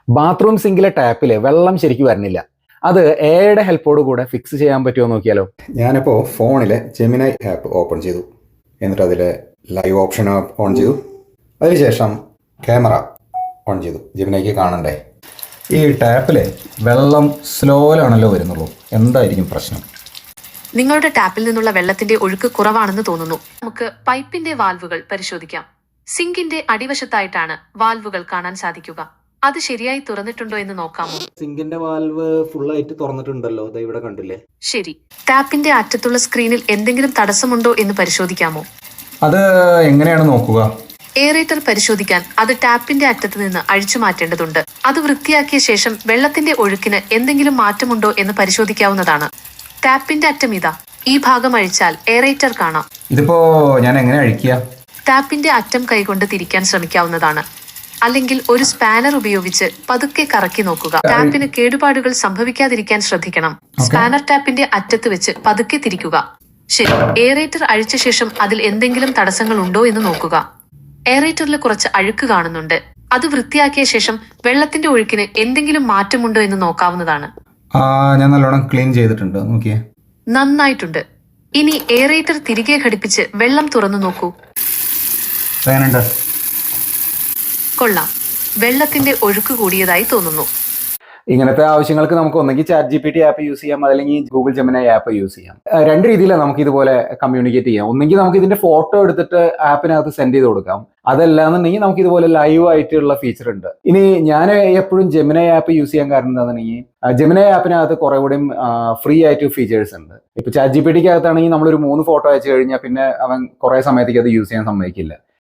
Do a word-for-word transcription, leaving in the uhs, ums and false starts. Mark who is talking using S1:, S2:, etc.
S1: Bathroom സിങ്കിലെ ടാപ്പിൽ വെള്ളം ശരിക്കും വരുന്നില്ല. അത് എയുടെ ഹെൽപ്പോട് കൂടെ ഫിക്സ് ചെയ്യാൻ പറ്റുമോ നോക്കിയാലോ. ഞാനിപ്പോൾ ഫോണിലെ ജെമിനൈ ആപ്പ് ഓപ്പൺ ചെയ്തു. എന്നിട്ട് അതിൽ ലൈവ് ഓപ്ഷൻ ഓൺ ചെയ്തു. അതിനുശേഷം ക്യാമറ ഓൺ ചെയ്തു. ജെമിനൈക്ക് കാണണ്ടേ. ഈ ടാപ്പിൽ വെള്ളം സ്ലോയിലാണല്ലോ വരുന്നുള്ളൂ. എന്തായിരിക്കും പ്രശ്നം?
S2: നിങ്ങളുടെ ടാപ്പിൽ നിന്നുള്ള വെള്ളത്തിന്റെ ഒഴുക്ക് കുറവാണെന്ന് തോന്നുന്നു. നമുക്ക് പൈപ്പിന്റെ വാൽവുകൾ പരിശോധിക്കാം. സിങ്കിന്റെ അടിവശത്തായിട്ടാണ് വാൽവുകൾ കാണാൻ സാധിക്കുക. അത് ശരിയായി തുറന്നിട്ടുണ്ടോ എന്ന് നോക്കാമോ?
S1: സിങ്കിന്റെ വാൽവ് ഫുൾ ആയിട്ട് തുറന്നിട്ടുണ്ടല്ലോ. ദാ ഇവിടെ കണ്ടില്ലേ.
S2: ശരി. ടാപ്പിന്റെ അറ്റത്തുള്ള സ്ക്രീനിൽ എന്തെങ്കിലും തടസ്സമുണ്ടോ എന്ന് പരിശോധിക്കാമോ?
S1: അത് എങ്ങനെയാണ് നോക്കുക?
S2: എയറേറ്റർ പരിശോധിക്കാൻ അത് ടാപ്പിന്റെ അറ്റത്ത് നിന്ന് അഴിച്ചു മാറ്റേണ്ടതുണ്ട്. അത് വൃത്തിയാക്കിയ ശേഷം വെള്ളത്തിന്റെ ഒഴുക്കിന് എന്തെങ്കിലും മാറ്റമുണ്ടോ എന്ന് പരിശോധിക്കാവുന്നതാണ്. ടാപ്പിന്റെ അറ്റം ഇതാ. ഈ ഭാഗം അഴിച്ചാൽ എയറേറ്റർ കാണാം.
S1: ഇതിപ്പോ ഞാൻ എങ്ങനെ അഴിക്കുക?
S2: ടാപ്പിന്റെ അറ്റം കൈകൊണ്ട് തിരിക്കാൻ ശ്രമിക്കാവുന്നതാണ്. അല്ലെങ്കിൽ ഒരു സ്പാനർ ഉപയോഗിച്ച് പതുക്കെ കറക്കി നോക്കുക. ടാപ്പിന് കേടുപാടുകൾ സംഭവിക്കാതിരിക്കാൻ ശ്രദ്ധിക്കണം. സ്പാനർ ടാപ്പിന്റെ അറ്റത്ത് വെച്ച് പതുക്കെ തിരിക്കുക. ശരി. എയറേറ്റർ അഴിച്ച ശേഷം അതിൽ എന്തെങ്കിലും തടസ്സങ്ങൾ ഉണ്ടോ എന്ന് നോക്കുക. എയറേറ്ററിൽ കുറച്ച് അഴുക്ക് കാണുന്നുണ്ട്. അത് വൃത്തിയാക്കിയ ശേഷം വെള്ളത്തിന്റെ ഒഴുക്കിന് എന്തെങ്കിലും മാറ്റമുണ്ടോ എന്ന് നോക്കാവുന്നതാണ്.
S1: ഞാൻ നല്ലോണം ക്ലീൻ ചെയ്തിട്ടുണ്ട്. നോക്കിയേ.
S2: നന്നായിട്ടുണ്ട്. ഇനി എയറേറ്റർ തിരികെ ഘടിപ്പിച്ച് വെള്ളം തുറന്നു നോക്കൂ. കൊള്ളാം. വെള്ളത്തിന്റെ ഒഴുക്ക് കൂടിയതായി തോന്നുന്നു.
S1: ഇങ്ങനത്തെ ആവശ്യങ്ങൾക്ക് നമുക്ക് ഒന്നെങ്കിൽ chat G P T app use ചെയ്യാം, അല്ലെങ്കിൽ ഗൂഗിൾ ജെമിനൈ ആപ്പ് യൂസ് ചെയ്യാം. രണ്ട് രീതിയിലാണ് നമുക്ക് ഇതുപോലെ കമ്മ്യൂണിക്കേറ്റ് ചെയ്യാം. ഒന്നെങ്കിൽ നമുക്ക് ഇതിന്റെ ഫോട്ടോ എടുത്തിട്ട് ആപ്പിനകത്ത് സെൻഡ് ചെയ്ത് കൊടുക്കാം. അതല്ലാന്നുണ്ടെങ്കിൽ നമുക്ക് ഇതുപോലെ ലൈവ് ആയിട്ടുള്ള ഫീച്ചർ ഉണ്ട്. ഇനി ഞാൻ എപ്പോഴും ജെമിനൈ ആപ്പ് യൂസ് ചെയ്യാൻ കാരണം എന്താണെന്നുണ്ടെങ്കിൽ ജെമിനൈ ആപ്പിനകത്ത് കുറെ കൂടിയും ഫ്രീ ആയിട്ട് ഫീച്ചേഴ്സ് ഉണ്ട്. ഇപ്പൊ ചാറ്റ് ജി പി ടിക്ക് അകത്താണെങ്കിൽ നമ്മളൊരു മൂന്ന് ഫോട്ടോ അയച്ചു കഴിഞ്ഞാൽ പിന്നെ അവൻ കുറെ സമയത്തേക്ക് അത് യൂസ് ചെയ്യാൻ സമ്മതിക്കില്ല.